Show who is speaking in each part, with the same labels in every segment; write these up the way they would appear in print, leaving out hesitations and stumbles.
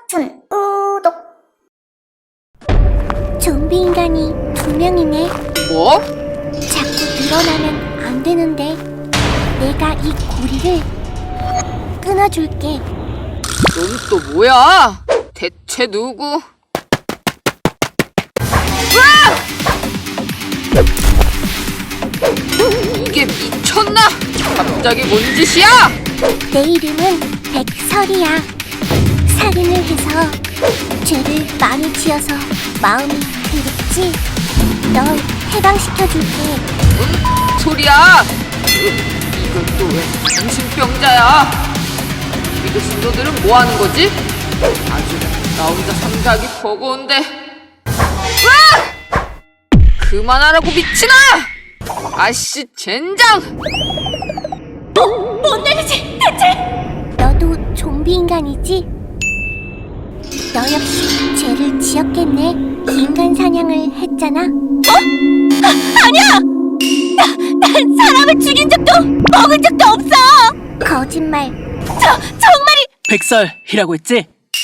Speaker 1: 춘 우독.
Speaker 2: 좀비 인간이 2명이네.
Speaker 3: 뭐?
Speaker 2: 자꾸 늘어나면 안 되는데 내가 이 고리를 끊어줄게.
Speaker 3: 넌 또 뭐야? 대체 누구? 이게 미쳤나? 갑자기 뭔 짓이야?
Speaker 2: 내 이름은 백설이야. 살인을 해서 죄를 많이 지어서 마음이 괴롭지? 널 해방시켜줄게.
Speaker 3: 뭔 소리야? 이건 또 왜 정신병자야? 믿을 신도들은 뭐 하는 거지? 아주 나 혼자 삼각이 버거운데. 으악! 그만하라고 미친아! 아씨 젠장!
Speaker 2: 뭔 일이지 대체? 너도 좀비 인간이지? 너 역시 죄를 지었겠네. 인간 사냥을 했잖아. 아니야! 난 사람을 죽인 적도 먹은 적도 없어! 거짓말. 정말이.
Speaker 4: 백설이라고 했지?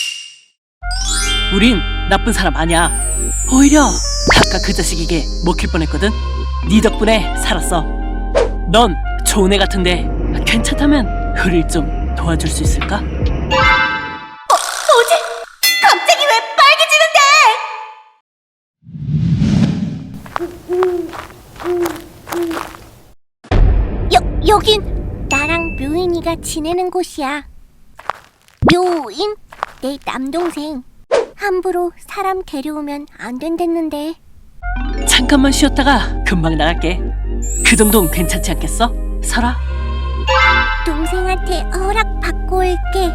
Speaker 4: 우린 나쁜 사람 아니야. 오히려 아까 그 자식에게 먹힐 뻔했거든. 네 덕분에 살았어. 넌 좋은 애 같은데 괜찮다면 우릴 좀 도와줄 수 있을까?
Speaker 2: 뭐지? 갑자기 왜 빨개지는데? 여긴 나랑 묘인이가 지내는 곳이야. 묘인? 내 남동생. 함부로 사람 데려오면 안 된댔는데.
Speaker 4: 잠깐만 쉬었다가 금방 나갈게. 그 정도는 괜찮지 않겠어? 설아?
Speaker 2: 동생한테 허락 받고 올게.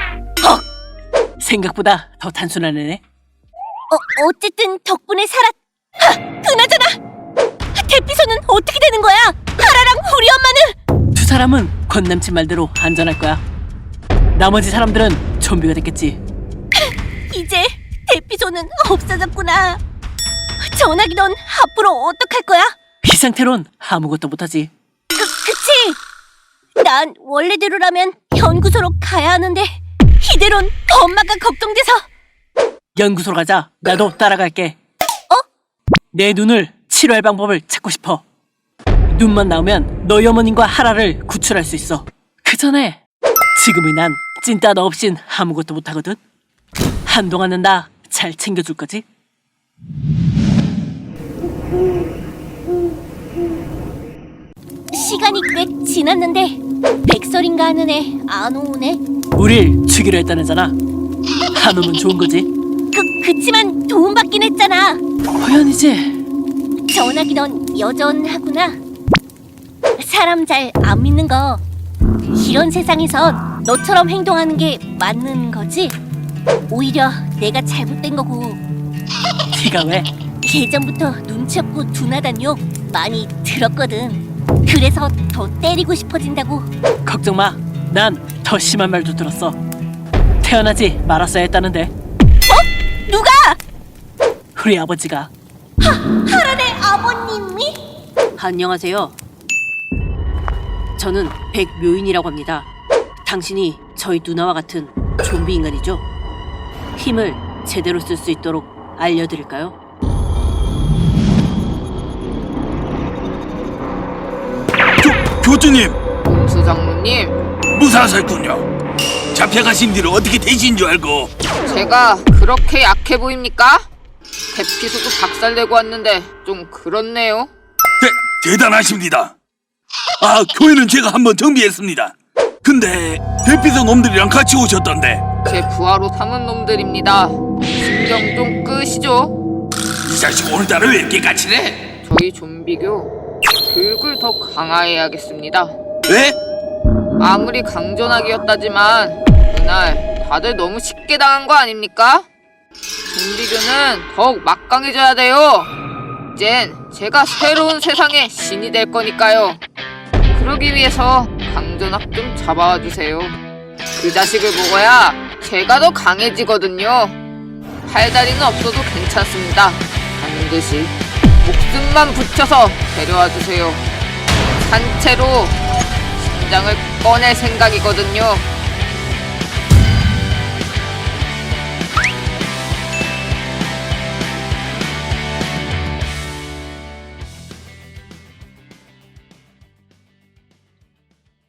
Speaker 4: 생각보다 더 단순한 애네.
Speaker 2: 어쨌든 덕분에 그나저나 대피소는 어떻게 되는 거야? 하라랑 우리 엄마는?
Speaker 4: 두 사람은 권남친 말대로 안전할 거야. 나머지 사람들은 좀비가 됐겠지.
Speaker 2: 이제 대피소는 없어졌구나. 전화기 넌 앞으로 어떡할 거야?
Speaker 4: 이 상태론 아무것도 못하지.
Speaker 2: 그치? 난 원래대로라면 연구소로 가야 하는데 이대론 엄마가 걱정돼서.
Speaker 4: 연구소로 가자. 나도 따라갈게. 내 눈을 치료할 방법을 찾고 싶어. 눈만 나오면 너희 어머님과 하라를 구출할 수 있어. 그 전에 지금의 난 찐따 너 없인 아무것도 못하거든. 한동안은 나 잘 챙겨줄 거지?
Speaker 2: 시간이 꽤 지났는데 백설인가 하는 애 안 오네.
Speaker 4: 우릴 죽이려 했다는 애잖아. 안 오면 좋은 거지.
Speaker 2: 그치만 도움받긴 했잖아.
Speaker 4: 호연이지?
Speaker 2: 전화기 넌 여전하구나. 사람 잘 안 믿는 거. 이런 세상에선 너처럼 행동하는 게 맞는 거지? 오히려 내가 잘못된 거고.
Speaker 4: 네가 왜?
Speaker 2: 예전부터 눈치 없고 둔하단 욕 많이 들었거든. 그래서 더 때리고 싶어진다고.
Speaker 4: 걱정 마. 난 더 심한 말도 들었어. 태어나지 말았어야 했다는데.
Speaker 2: 누가?
Speaker 4: 우리 아버지가.
Speaker 2: 하란의 아버님이?
Speaker 5: 안녕하세요. 저는 백묘인이라고 합니다. 당신이 저희 누나와 같은 좀비 인간이죠? 힘을 제대로 쓸 수 있도록 알려드릴까요?
Speaker 6: 교주님,
Speaker 3: 공수 장로님,
Speaker 6: 무사하셨군요. 잡혀가신 뒤를 어떻게 되신 줄 알고.
Speaker 3: 제가 그렇게 약해 보입니까? 대피소도 박살내고 왔는데 좀 그렇네요.
Speaker 6: 대단하십니다. 아, 교회는 제가 한번 정비했습니다. 근데 대피소 놈들이랑 같이 오셨던데.
Speaker 3: 제 부하로 삼은 놈들입니다. 신경 좀 끄시죠.
Speaker 6: 이 자식 오늘따라 왜 이렇게 까칠해?
Speaker 3: 저희 좀비교 교육을 더 강화해야겠습니다.
Speaker 6: 왜?
Speaker 3: 아무리 강전하기였다지만 그날 다들 너무 쉽게 당한 거 아닙니까? 좀비교는 더욱 막강해져야 돼요. 이젠 제가 새로운 세상의 신이 될 거니까요. 그러기 위해서 강전학 좀 잡아와 주세요. 그 자식을 먹어야 제가 더 강해지거든요. 팔다리는 없어도 괜찮습니다. 반드시 목숨만 붙여서 데려와 주세요. 산채로 심장을 꺼낼 생각이거든요.